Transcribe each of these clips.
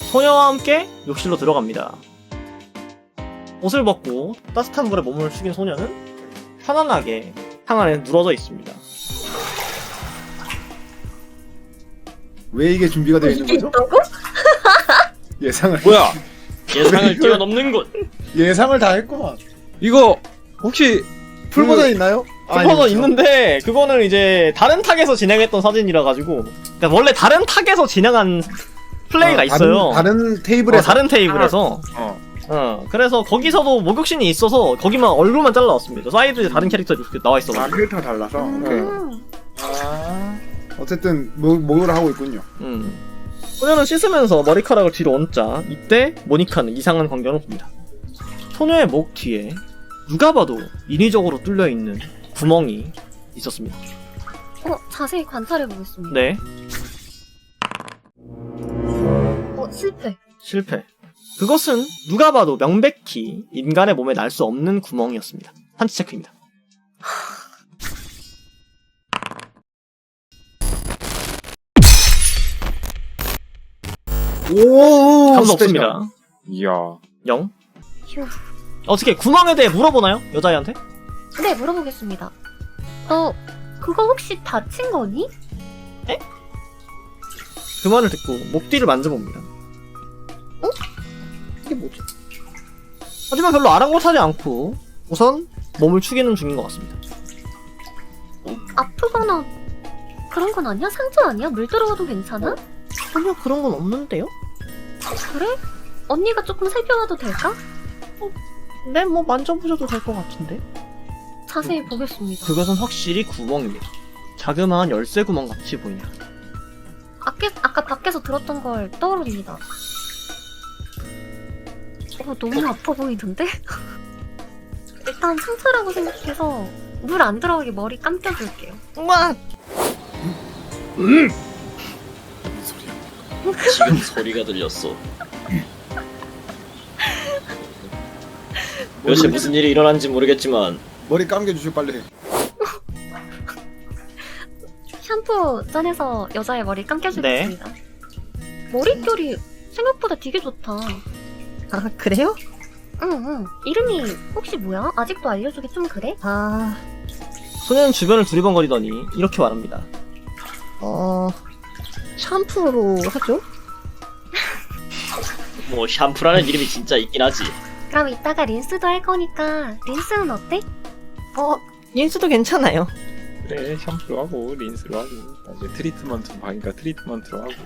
소녀와 함께 욕실로 들어갑니다. 옷을 벗고 따뜻한 물에 몸을 숙인 소녀는 편안하게 탕 안에 누워져 있습니다. 왜 이게 준비가 되어 있는 이게 거죠? 있다고? 예상을 뭐야? 예상을 뛰어넘는군. 예상을 다 했구만. 이거 혹시 풀 버전 있나요? 풀버전 있는데 그거는 이제 다른 탁에서 진행했던 사진이라 가지고 그러니까 원래 다른 탁에서 진행한 플레이가 있어요. 다른 테이블에서. 다른 테이블에서. 어. 그래서 거기서도 목욕신이 있어서 거기만 얼굴만 잘라왔습니다. 사이드에 다른 캐릭터들이 이렇게 나와 있어가지고. 캐릭터가 달라서. 오케이. 음. 어쨌든 목욕을 하고 있군요. 소녀는 씻으면서 머리카락을 뒤로 얹자 이때 모니카는 이상한 광경을 봅니다. 소녀의 목 뒤에 누가 봐도 인위적으로 뚫려있는 구멍이 있었습니다. 자세히 관찰해보겠습니다. 네, 실패. 실패. 그것은 누가 봐도 명백히 인간의 몸에 날 수 없는 구멍이었습니다. 한치 체크입니다. 오, 감도 없습니다. 이야. 0. 휴. 어떻게 구멍에 대해 물어보나요? 여자애한테? 네, 물어보겠습니다. 너 그거 혹시 다친 거니? 그 말을 듣고 목 뒤를 만져봅니다. 이게 뭐지? 하지만 별로 아랑곳하지 않고 우선 몸을 축이는 중인 것 같습니다. 아프거나 그런 건 아니야? 상처 아니야? 물 들어가도 괜찮아? 전혀 그런 건 없는데요? 그래? 언니가 조금 살펴봐도 될까? 네, 뭐 만져보셔도 될 것 같은데? 자세히 보겠습니다. 그것은 확실히 구멍입니다. 자그마한 열쇠 구멍 같이 보입니다. 아까 밖에서 들었던 걸 떠오릅니다. 너무 아파 보이던데? 일단 상처라고 생각해서 물 안 들어가게 머리 감겨줄게요. 우와! 지금 소리가 들렸어. 도대체 무슨 일이 일어난지 모르겠지만 머리 감겨주시오 빨리. 샴푸 전해서 여자의 머리 감겨주겠습니다. 머릿결이 생각보다 되게 좋다. 아, 그래요? 응. 이름이 혹시 뭐야? 아직도 알려주기 좀 그래? 소녀는 주변을 두리번거리더니 이렇게 말합니다. 샴푸로 하죠? 뭐 샴푸라는 이름이 진짜 있긴 하지. 그럼 이따가 린스도 할 거니까 린스는 어때? 린스도 괜찮아요. 그래 샴푸로 하고 린스로 하고 나중에 트리트먼트 방이니까 트리트먼트로 하고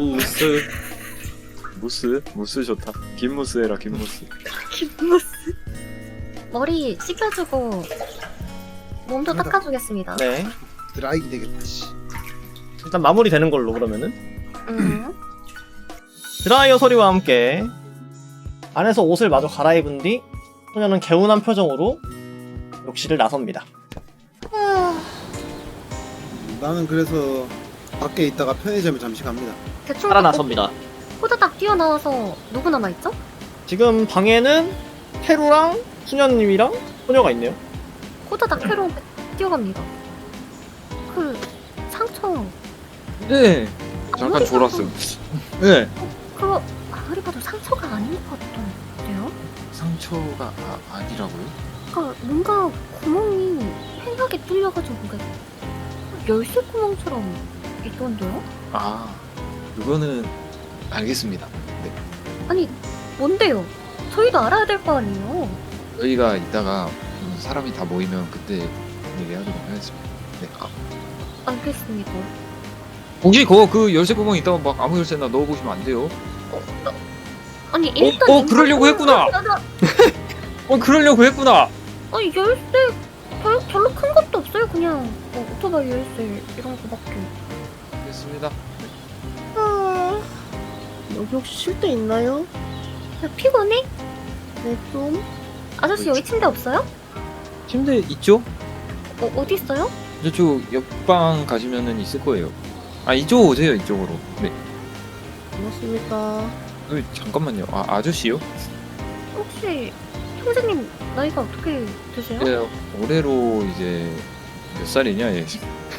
무스 좋다. 긴 무스 해라 긴 무스. 김무스. 머리 씻겨주고 몸도 닦아주겠습니다. 네. 드라이기 되겠다. 씨. 일단 마무리 되는 걸로 그러면은. 응. 드라이어 소리와 함께 안에서 옷을 마저 갈아입은 뒤 소녀는 개운한 표정으로 욕실을 나섭니다. 나는 그래서 밖에 있다가 편의점에 잠시 갑니다. 대충 살아나섭니다. 호다닥 뛰어나와서 누구 남아있죠? 지금 방에는 페루랑 수녀님이랑 소녀가 있네요. 호다닥 캐로 뛰어갑니다. 그 상처 네. 잠깐 아무리 졸았어요. 봐도 네. 그거 아무리 봐도 상처가 아닌 것 같던데요? 상처가 아니라고요? 그러니까 뭔가 구멍이 팽하게 뚫려가지고 뭔가 열쇠 구멍처럼 있던데요? 아 그거는 알겠습니다. 네. 아니 뭔데요? 저희도 알아야 될 거 아니에요? 저희가 이따가 사람이 다 모이면 그때 얘기하도록 하겠습니다. 네. 알겠습니다. 혹시 그 열쇠 구멍 있다고 막 아무 열쇠나 넣어보시면 안 돼요. 아니 일단 그러려고 했구나. 그러려고 했구나. 아니 열쇠 별로 큰 것도 없어요. 그냥 오토바이 열쇠 이런 거밖에. 됐습니다. 여기 혹시 쉴 데 있나요? 야, 피곤해? 네, 좀. 아저씨 여기 침대 없어요? 침대 있죠? 어디 있어요? 저쪽 옆방 가시면은 있을 거예요. 아 이쪽 오세요 이쪽으로. 네. 고맙습니다. 잠깐만요. 아저씨요? 혹시 형제님 나이가 어떻게 되세요? 네, 올해로 이제 몇 살이냐 얘.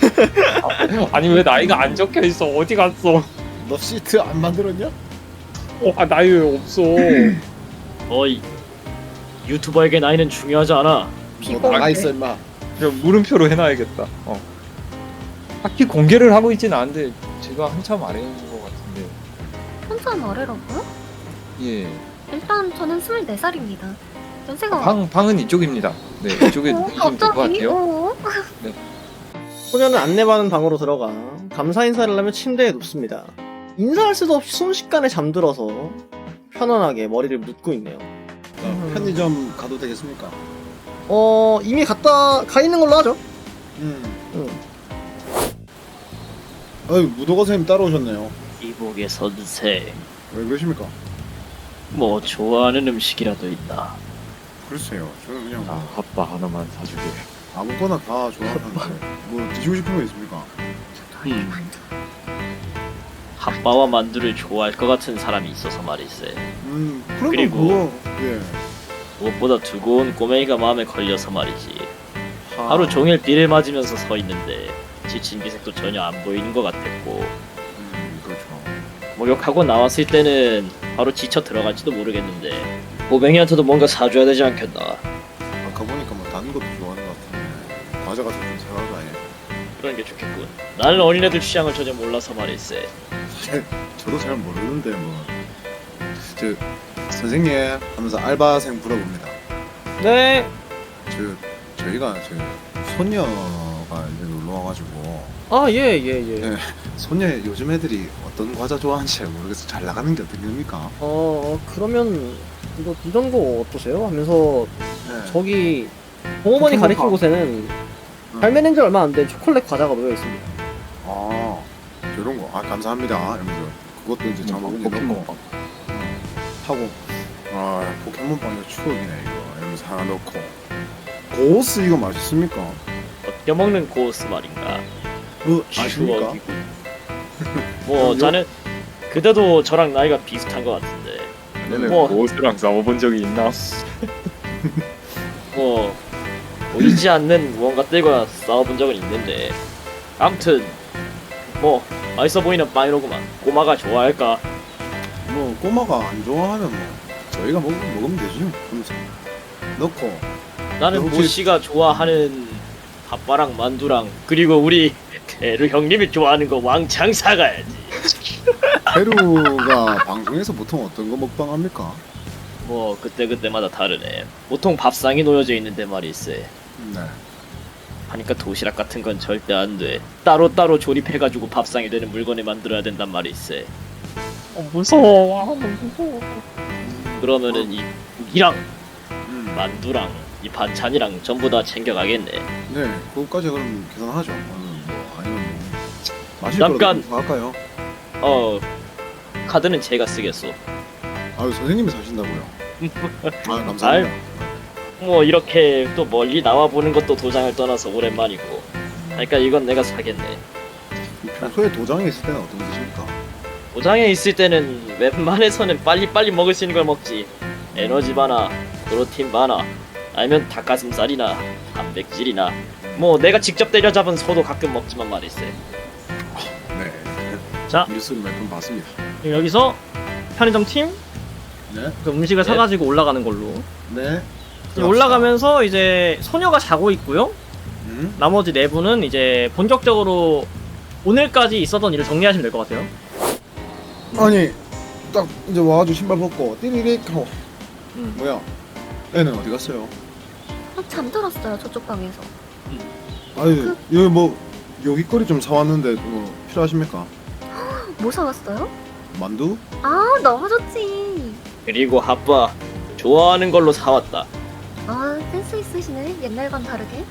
아니 왜 나이가 안 적혀 있어? 어디 갔어? 너 시트 안 만들었냐? 나이 왜 없어? 어이 유튜버에게 나이는 중요하지 않아. 너 나가 있어 임마. 그냥 물음표로 해놔야겠다. 딱히 공개를 하고 있진 않은데 제가 한참 아래인 것 같은데. 한참 아래라고요? 예. 일단 저는 24살입니다. 연세가 방은 이쪽입니다. 네, 이쪽에 누우시면 될 것 같아요. 소녀는 안내받은 방으로 들어가 감사 인사를 하며 침대에 눕습니다. 인사할 수도 없이 순식간에 잠들어서 편안하게 머리를 묶고 있네요. 편의점 가도 되겠습니까? 이미 가 있는 걸로 하죠. 아유 무도가 선생님 따라오셨네요. 이복의 선생. 왜 그러십니까? 뭐 좋아하는 음식이라도 있나? 글쎄요. 저는 그냥 핫바 하나만 사주게. 아무거나 다 좋아하는데 뭐 드시고 싶은 거 있습니까? 핫바와 만두를 좋아할 것 같은 사람이 있어서 말이세. 그럼 그리고- 그거 예. 무엇보다 두고 온 꼬맹이가 마음에 걸려서 말이지. 하루 종일 비를 맞으면서 서 있는데 지친 기색도 전혀 안 보이는 것 같았고, 그렇죠. 목욕하고 나왔을 때는 바로 지쳐 들어갈지도 모르겠는데 꼬맹이한테도 뭔가 사줘야 되지 않겠나. 아까 보니까 뭐 다른 것도 좋아하는 것 같은데 과자 같은 좀 사가서 아예. 그런 게 좋겠군. 나는 어린애들 취향을 전혀 몰라서 말일세. 저도 잘 모르는데 뭐. 저 선생님 하면서 알바생 불러봅니다. 네. 저희가 손녀가 이제 놀러 와가지고 예. 네. 손녀 요즘 애들이 어떤 과자 좋아하는지 잘 모르겠어. 잘 나가는 게 어떤 겁니까? 그러면 이런 거 어떠세요? 하면서 네. 저기 동어머니 포켓몬 가리킨 파. 곳에는 발매된 지 얼마 안 된 초콜릿 과자가 놓여 있습니다. 아 저런 거. 아 감사합니다. 이러면서 그것도 이제 장바구니에 넣고 하고 포켓몬빵 이거 추억이네 이거 이러면서 하나 넣고 고스 이거 맛있습니까? 껴먹는 고스 말인가. 아십니까? 추억이군. 뭐 자는 그때도 저랑 나이가 비슷한 것 같은데 얘는 뭐. 고스랑 싸워본 적이 있나? 뭐 보이지 않는 무언가들과 싸워본 적은 있는데, 아무튼 뭐 맛있어 보이는 빵이로구만. 꼬마가 좋아할까? 뭐 꼬마가 안 좋아하면 뭐 저희가 먹으면 되죠. 그러면서 넣고 나는 혹시- 모씨가 좋아하는 핫바랑 만두랑 그리고 우리 대루 형님이 좋아하는 거 왕창 사가야지. 페루가 방송에서 보통 어떤 거 먹방합니까? 뭐 그때그때마다 다르네. 보통 밥상이 놓여져 있는데 말일세. 네. 하니까 도시락 같은 건 절대 안 돼. 따로따로 조립해가지고 밥상이 되는 물건을 만들어야 된단 말일세. 무서워. 그러면은 이 국이랑 음. 만두랑 이 반찬이랑 전부 다 챙겨가겠네. 네, 그것까지 그럼 계산하죠. 아니면 뭐 마실 잠깐! 거라도 할까요? 카드는 제가 쓰겠소. 아유 선생님이 사신다고요? 아 감사합니다. 뭐 이렇게 또 멀리 나와 보는 것도 도장을 떠나서 오랜만이고. 그러니까 이건 내가 사겠네. 평소에 도장에 있을 때는 어떤 거 드십니까? 도장에 있을 때는 웬만해서는 빨리빨리 먹을 수 있는 걸 먹지. 에너지 바나 프로틴 바나 아니면 닭가슴살이나 단백질이나 뭐 내가 직접 때려잡은 소도 가끔 먹지만 말일세. 네. 자. 뉴스를 몇 번 봤습니다. 여기서 편의점 팀 네. 그 음식을 네. 사가지고 올라가는 걸로. 네. 올라가면서 이제 소녀가 자고 있고요. 음? 나머지 네 분은 이제 본격적으로 오늘까지 있었던 일을 정리하시면 될 것 같아요. 아니 딱 이제 와가지고 신발 벗고 띠리릭 하고 뭐야? 애는 어디 갔어요? 잠들었어요 저쪽 방에서. 아유 여기 뭐 요깃거리 좀 사왔는데 뭐 필요하십니까? 뭐 사왔어요? 만두? 아 너무 좋지. 그리고 핫바 좋아하는 걸로 사왔다. 아 센스 있으시네 옛날과는 다르게.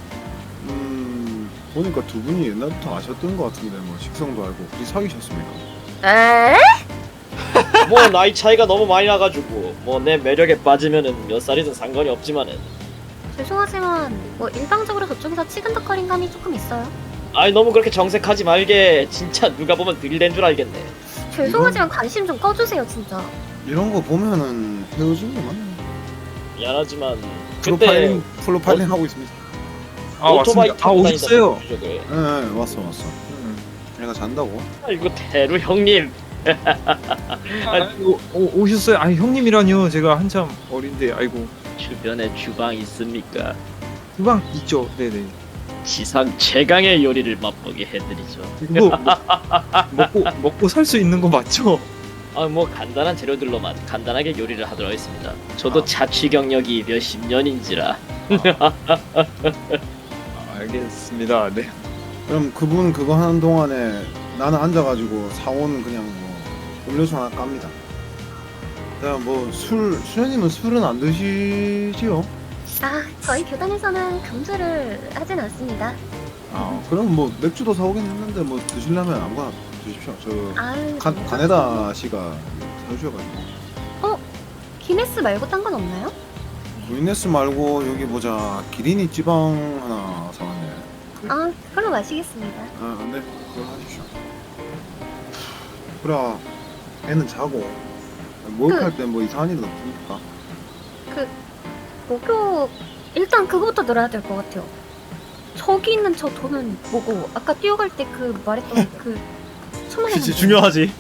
보니까 두 분이 옛날부터 아셨던 것 같은데 뭐 식성도 알고 둘이 사귀셨습니까? 에? 뭐 나이 차이가 너무 많이 나가지고 뭐 내 매력에 빠지면은 몇 살이든 상관이 없지만은. 죄송하지만 뭐 일방적으로 저쪽에서 치근덕거린 감이 조금 있어요. 아이 너무 그렇게 정색하지 말게. 진짜 누가 보면 들이댄 줄 알겠네. 죄송하지만 관심 좀 꺼주세요 진짜. 이런 거 보면은 헤어진 거 맞네. 미안하지만 그때 프로파일링 하고 있습니다. 오토바이 왔습니다. 타고 다니던 오셨어요. 부족을. 네 왔어. 얘가 잔다고? 아이고 대루 형님 아이고 오셨어요? 아 형님이라뇨. 제가 한참 어린데 아이고. 주변에 주방 있습니까? 주방 있죠. 네네. 지상 최강의 요리를 맛보게 해드리죠. 이거 먹고 살 수 있는 거 맞죠? 아 뭐 간단한 재료들로만 간단하게 요리를 하도록 하겠습니다. 저도 아. 자취 경력이 몇십 년인지라. 알겠습니다. 네. 그럼 그분 그거 하는 동안에 나는 앉아가지고 사온 그냥 뭐 음료수 하나 깝니다. 그다음 뭐 수현님은 술은 안 드시지요? 아, 저희 교단에서는 금주를 하진 않습니다. 그럼 뭐 맥주도 사오겠는데 뭐 드시려면 아무거나 드십시오. 저 아유, 가네다 씨가 사주셔가지고. 기네스 말고 딴 건 없나요? 루이네스 말고 여기 보자 기린이 지방 하나 사왔네. 아, 그걸로 마시겠습니다. 네 그걸 하십시오. 그래 애는 자고 목욕할 때 뭐 이상한 일은 없습니까? 목욕 일단 그거부터 늘어야 될 것 같아요. 저기 있는 저 돈은 뭐고 아까 뛰어갈 때 그 말했던 그 천만 원. 그치 중요하지.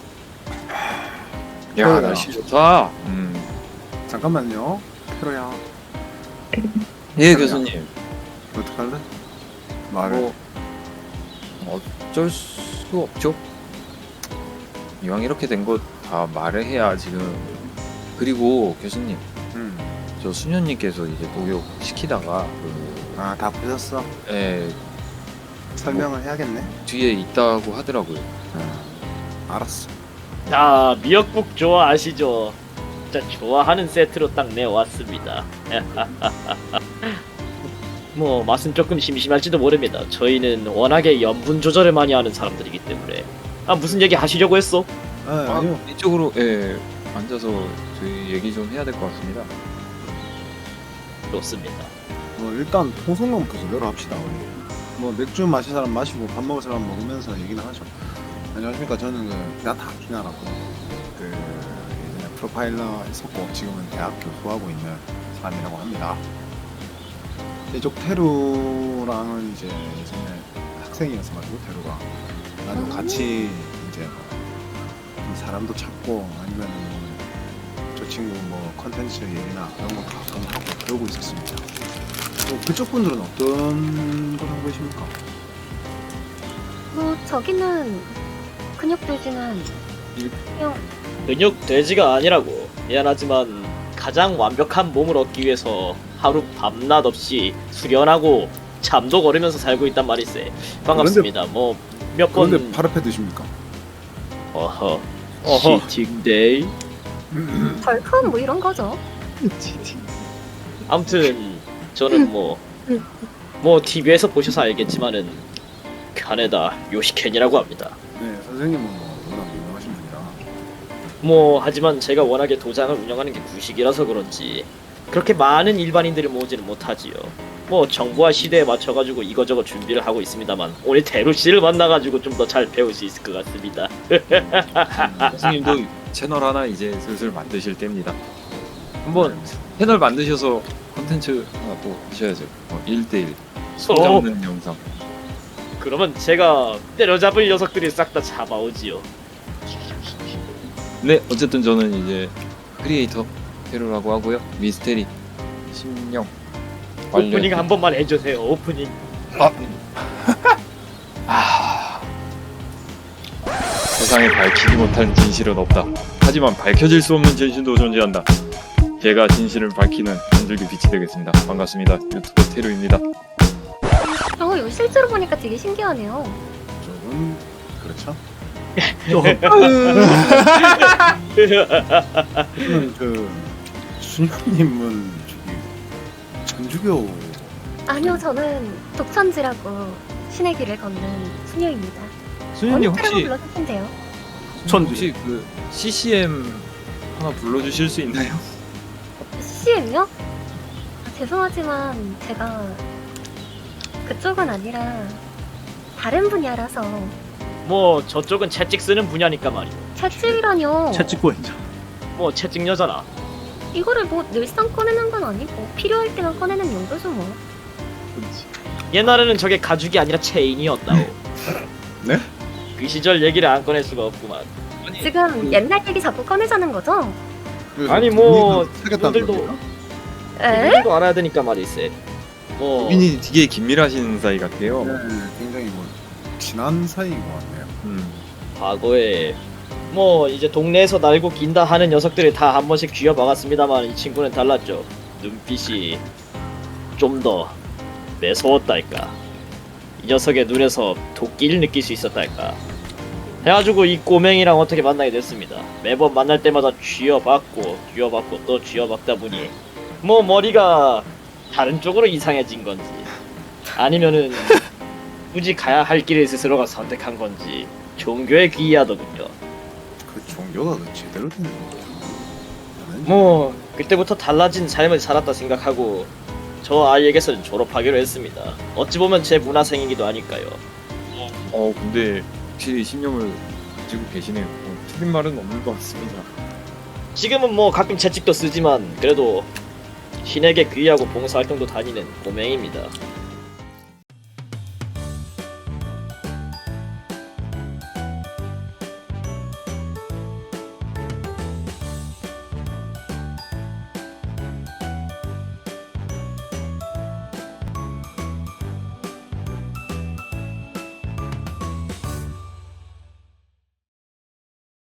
야 날씨 좋다. 잠깐만요. 페로야 예 교수님. 어떡할래? 말을. 뭐 어쩔 수 없죠. 이왕 이렇게 된 거 다 말을 해야 지금. 그리고 교수님, 저 수녀님께서 이제 목욕 시키다가 다 보셨어? 예, 설명을 해야겠네. 뒤에 있다고 하더라고요. 알았어. 아 미역국 좋아하시죠? 진짜 좋아하는 세트로 딱 내왔습니다. 뭐 맛은 조금 심심할지도 모릅니다. 저희는 워낙에 염분 조절을 많이 하는 사람들이기 때문에. 아 무슨 얘기 하시려고 했어? 아니요. 이쪽으로 앉아서 저희 얘기 좀 해야 될 것 같습니다. 좋습니다. 일단 통성명부터 제대로 합시다. 우리. 뭐 맥주 마실 사람 마시고 밥 먹을 사람 먹으면서 얘기는 하죠. 안녕하십니까. 저는 베아타 아키나라고 예전에 프로파일러 했었고 지금은 대학 교수하고 있는 사람이라고 합니다. 이쪽 테루랑은 이제 예전에 학생이었어가지고 테루가 나도 같이 이제 좀 사람도 찾고 아니면 저 친구 뭐 컨텐츠 얘기나 그런 거 가끔 하고 배우고 있었습니다. 그쪽 분들은 어떤 걸 하고 계십니까? 뭐 저기는 근육돼지는 그냥 근육 돼지가 아니라고. 미안하지만 가장 완벽한 몸을 얻기 위해서 하루 밤낮 없이 수련하고 잠도 거르면서 살고 있단 말이세. 반갑습니다. 뭐 몇 번. 그런데 파르페 드십니까? 어허. 어허. 치팅데이. 덜큰 뭐 이런 거죠. 아무튼 저는 뭐 TV에서 보셔서 알겠지만은 카네다 요시켄이라고 합니다. 네, 선생님은 뭐 워낙 유명하신 분이라. 뭐 하지만 제가 워낙에 도장을 운영하는 게 구식이라서 그런지 그렇게 많은 일반인들을 모으지는 못하지요. 뭐 정부와 시대에 맞춰가지고 이거저거 준비를 하고 있습니다만 오늘 대루 씨를 만나가지고 좀 더 잘 배울 수 있을 것 같습니다. 교수님도 채널 하나 이제 슬슬 만드실 때입니다. 한번 채널 만드셔서 콘텐츠 하나 또 하셔야죠. 1대1 손 잡는 영상. 그러면 제가 때려잡을 녀석들이 싹 다 잡아오지요. 네, 어쨌든 저는 이제 크리에이터 테루라고 하고요. 미스테리 심령 오프닝 한 번만 해주세요. 오프닝. 세상에 밝히지 못한 진실은 없다. 하지만 밝혀질 수 없는 진실도 존재한다. 제가 진실을 밝히는 한 줄기 빛이 되겠습니다. 반갑습니다. 유튜버 테루입니다. 이거 실제로 보니까 되게 신기하네요. 조금 그렇죠. 저는 수녀님은 저기 전주교. 아니요, 저는 독천지라고 신의 길을 걷는 수녀입니다. 수현님 언제라고 혹시 불러줄 텐데요. 혹시 그 CCM 하나 불러주실 수 있나요? CCM요? 아, 죄송하지만 제가 그쪽은 아니라 다른 분야라서. 뭐 저쪽은 채찍 쓰는 분야니까 말이오. 채찍이라뇨. 채찍고행자. 뭐 채찍 여자나. 이거를 뭐 늘상 꺼내는 건 아니고 필요할 때만 꺼내는 용도죠 뭐. 옛날에는 저게 가죽이 아니라 체인이었다오. 네? 그 시절 얘기를 안 꺼낼 수가 없구만. 아니 지금 옛날 얘기 자꾸 꺼내자는 거죠? 그래서 아니, 뭐, 사겠다는 분들도- 겁니까? 에? 이분도 알아야 되니까 말이세. 뭐 고민이 되게 긴밀하신 사이 같아요. 네, 굉장히 뭐 친한 사이인 것 같네요. 과거에 뭐 이제 동네에서 날고 긴다 하는 녀석들이 다 한 번씩 쥐어박았습니다만 이 친구는 달랐죠. 눈빛이 좀 더 매서웠달까. 이 녀석의 눈에서 도끼를 느낄 수 있었달까. 해가지고 이 꼬맹이랑 어떻게 만나게 됐습니다. 매번 만날 때마다 쥐어박고 또 쥐어박다 보니 뭐 머리가 다른 쪽으로 이상해진 건지 아니면은 굳이 가야 할 길을 스스로가 선택한 건지 종교에 귀의하더군요. 그 종교가 그 제대로 되는 거예요. 뭐 그때부터 달라진 삶을 살았다 생각하고 저 아이에게서는 졸업하기로 했습니다. 어찌 보면 제 문화생이기도 하니까요. 근데 확실히 신념을 가지고 계시네요. 틀린 말은 없는 것 같습니다. 지금은 뭐 가끔 채찍도 쓰지만 그래도 신에게 귀의하고 봉사활동도 다니는 고맹입니다.